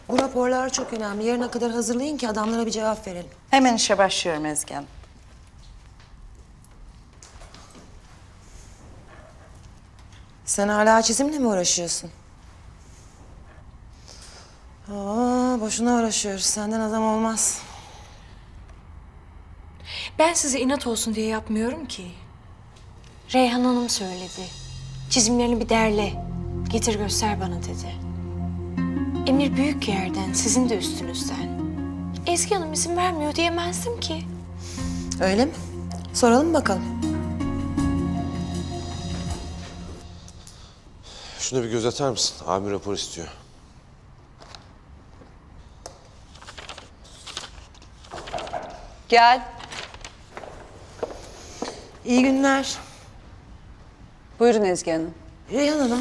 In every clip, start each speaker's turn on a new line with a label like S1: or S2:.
S1: Bu raporlar çok önemli. Yarına kadar hazırlayın ki adamlara bir cevap verelim.
S2: Hemen işe başlıyorum Ezgi Hanım.
S1: Sen hala çizimle mi uğraşıyorsun? Boşuna uğraşıyoruz. Senden adam olmaz.
S3: Ben size inat olsun diye yapmıyorum ki. Reyhan Hanım söyledi. Çizimlerini bir derle. Getir göster bana dedi. Emir büyük yerden, sizin de üstünüzden. Ezgi Hanım izin vermiyor diyemezdim ki.
S1: Öyle mi? Soralım bakalım.
S4: Şuna bir göz atar mısın? Abim rapor istiyor.
S2: Gel.
S1: İyi günler.
S2: Buyurun Ezgi Hanım.
S1: Reyhan Hanım.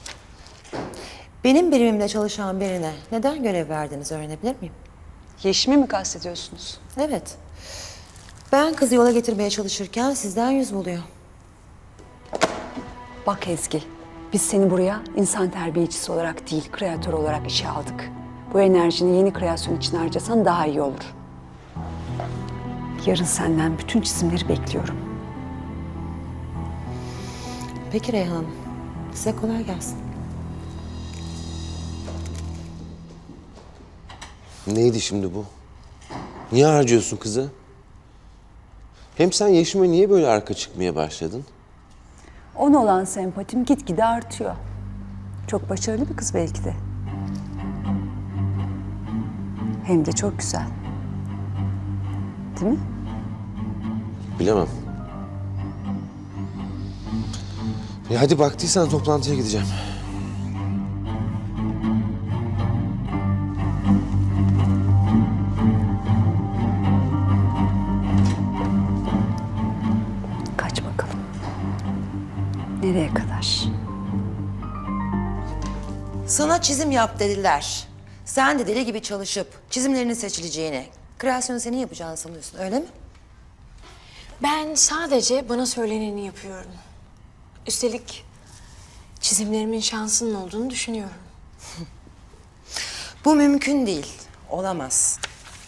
S1: Benim birimimde çalışan birine neden görev verdiniz öğrenebilir miyim?
S2: Yeşim'i mi kastediyorsunuz?
S1: Evet. Ben kızı yola getirmeye çalışırken sizden yüz buluyor.
S5: Bak Ezgi, biz seni buraya insan terbiyecisi olarak değil, kreatör olarak işe aldık. Bu enerjini yeni kreasyon için harcasan daha iyi olur. Yarın senden bütün çizimleri bekliyorum.
S1: Peki Reyhan Hanım. Size kolay gelsin.
S4: Neydi şimdi bu? Niye harcıyorsun kızı? Hem sen Yeşim'e niye böyle arka çıkmaya başladın?
S5: Ona olan sempatim gitgide artıyor. Çok başarılı bir kız belki de. Hem de çok güzel. Değil mi?
S4: Bilemem. Hadi baktıysan toplantıya gideceğim.
S5: Kaç bakalım. Nereye kadar?
S1: Sana çizim yap dediler. Sen de deli gibi çalışıp çizimlerinin seçileceğini, kreasyonu senin yapacağını sanıyorsun, öyle mi?
S3: Ben sadece bana söyleneni yapıyorum. Üstelik çizimlerimin şansının olduğunu düşünüyorum.
S1: Bu mümkün değil, olamaz.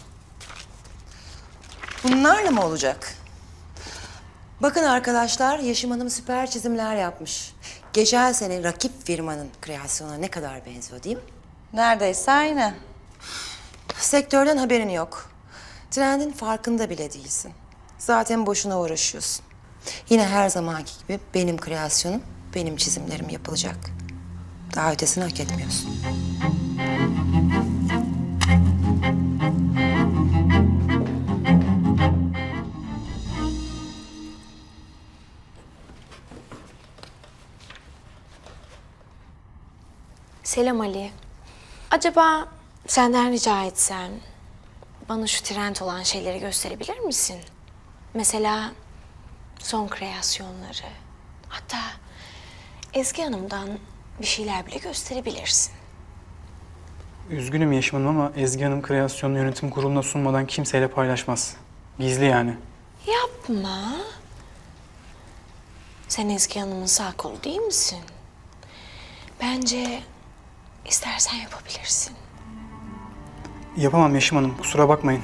S1: Bunlarla mı olacak? Bakın arkadaşlar, Yeşim Hanım süper çizimler yapmış. Geçen sene rakip firmanın kreasyonuna ne kadar benziyor değil mi?
S2: Neredeyse aynı.
S1: Sektörden haberin yok. Trendin farkında bile değilsin. Zaten boşuna uğraşıyorsun. Yine her zamanki gibi benim kreasyonum, benim çizimlerim yapılacak. Daha ötesini hak etmiyorsun.
S3: Selam Ali. Acaba senden rica etsem bana şu trend olan şeyleri gösterebilir misin? Mesela son kreasyonları. Hatta Ezgi Hanım'dan bir şeyler bile gösterebilirsin.
S6: Üzgünüm Yeşim Hanım ama Ezgi Hanım kreasyonunu yönetim kuruluna sunmadan kimseyle paylaşmaz. Gizli yani.
S3: Yapma. Sen Ezgi Hanım'ın sağ kolu değil misin? Bence istersen yapabilirsin.
S6: Yapamam Yeşim Hanım, kusura bakmayın.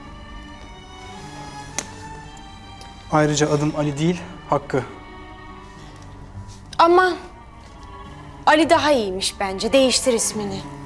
S6: Ayrıca adım Ali değil, Hakkı.
S3: Aman. Ali daha iyiymiş bence. Değiştir ismini.